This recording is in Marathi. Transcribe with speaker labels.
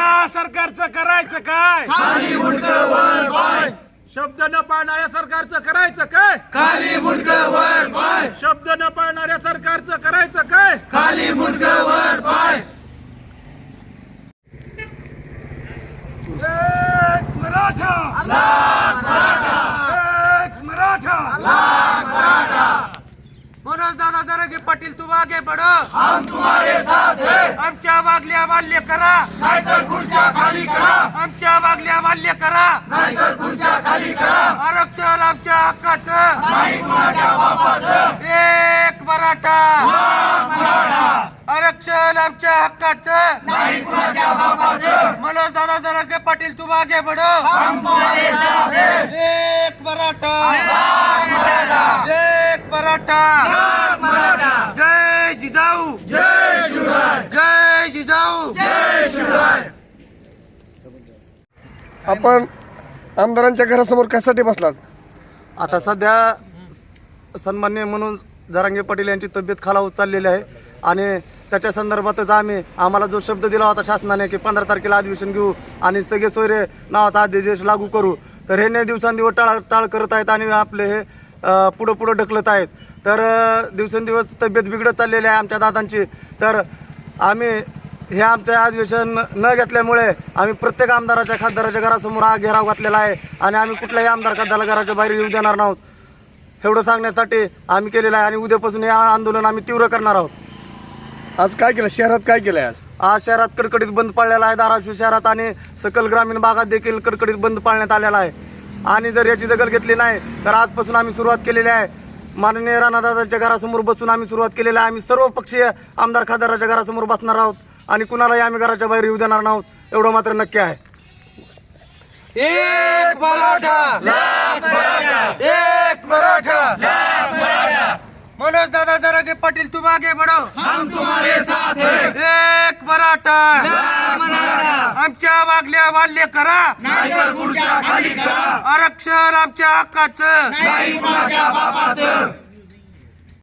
Speaker 1: या सरकारचं करायचं काय?
Speaker 2: खाली मुंडकं वर पाय,
Speaker 1: शब्द न पाळणाऱ्या सरकारचं करायचं काय?
Speaker 2: खाली मुंडकं वर पाय,
Speaker 1: शब्द न पाळणाऱ्या सरकारचं करायचं काय?
Speaker 2: खाली मुंडकं वर पाय.
Speaker 1: एक मराठा
Speaker 2: लाख मराठा,
Speaker 1: एक मराठा
Speaker 2: लाख मराठा,
Speaker 3: मनोज दादा जरांगे पाटील तुम आगे बढ़ो,
Speaker 2: हम तुम्हारे साथ हैं.
Speaker 3: आमच्या मागल्या मान्य करा,
Speaker 2: नाहीतर खुर्च्या खाली करा,
Speaker 3: आमच्या मागल्या मान्य करा.
Speaker 2: नाहीतर खुर्च्या खाली करा.
Speaker 3: आरक्षण आमच्या हक्काचं,
Speaker 2: नाही कुणाच्या बापाचं.
Speaker 3: एक मराठा.
Speaker 2: लाख मराठा,
Speaker 3: आरक्षण आमच्या हक्काचं,
Speaker 2: नाही कुणाच्या बापाचं.
Speaker 3: मनोज दादा जरांगे पाटील तुम आगे बढ़ो,
Speaker 2: हम तुम्हारे साथ हैं.
Speaker 3: एक मराठा,
Speaker 2: लाख मराठा,
Speaker 3: एक मराठा.
Speaker 2: लाख मराठा.
Speaker 3: जय जिजाऊ,
Speaker 2: जय शिवराय,
Speaker 3: जय जिजाऊ.
Speaker 2: जय शिवराय.
Speaker 4: आपण आमदारांच्या घरासमोर कशासाठी बसलात?
Speaker 5: आता सध्या सन्माननीय म्हणून जरांगे पाटील यांची तब्येत खालावत चाललेली आहे आणि त्याच्या संदर्भातच आम्हाला जो शब्द दिला होता शासनाने की 15 तारखेला अधिवेशन घेऊ आणि सगळे सोयरे नावाचा अध्यादेश लागू करू, तर हे ने दिवसांदिवस टाळ करत आहेत आणि आपले हे पुढं ढकलत आहेत. तर दिवसेंदिवस तब्येत बिघडत चाललेली आहे आमच्या दादांची. तर आम्ही हे आमचं अधिवेशन न घेतल्यामुळे आम्ही प्रत्येक आमदाराच्या खासदाराच्या घरासमोर हा घेराव घातलेला आहे आणि आम्ही कुठल्याही आमदार खासदाराला घराच्या बाहेर येऊ देणार नाहोत. एवढं सांगण्यासाठी आम्ही केलेलं आहे आणि उद्यापासून हे आंदोलन आम्ही तीव्र करणार आहोत.
Speaker 4: आज काय केलं? शहरात काय केलं आज?
Speaker 5: आज शहरात कडकडीत बंद पाळलेला आहे. धाराशिव शहरात आणि सकल ग्रामीण भागात देखील कडकडीत बंद पाळण्यात आलेला आहे आणि जर याची दखल घेतली नाही तर आजपासून आम्ही सुरुवात केलेली आहे. माननीय राणादादांच्या घरासमोर बसून आम्ही सुरुवात केलेली आहे. आम्ही सर्व पक्षीय आमदार खासदाराच्या घरासमोर बसणार आहोत आणि कुणालाही आम्ही घराच्या बाहेर येऊ देणार नाहोत, एवढं मात्र नक्की आहे.
Speaker 3: एक मराठा,
Speaker 2: लाख मराठा,
Speaker 3: एक मराठा.
Speaker 2: लाख मराठा,
Speaker 3: मनोज दादा जरांगे पाटील तुम आगे बढ़ो,
Speaker 2: हम तुम्हारे साथ हैं.
Speaker 3: एक मराठा.
Speaker 2: लाख मराठा,
Speaker 3: आमच्या मागल्या मान्य करा,
Speaker 2: नाहीतर खुर्च्या खाली करा,
Speaker 3: आरक्षण आमच्या हक्काचं,
Speaker 2: नाही कुणाच्या बापाचं.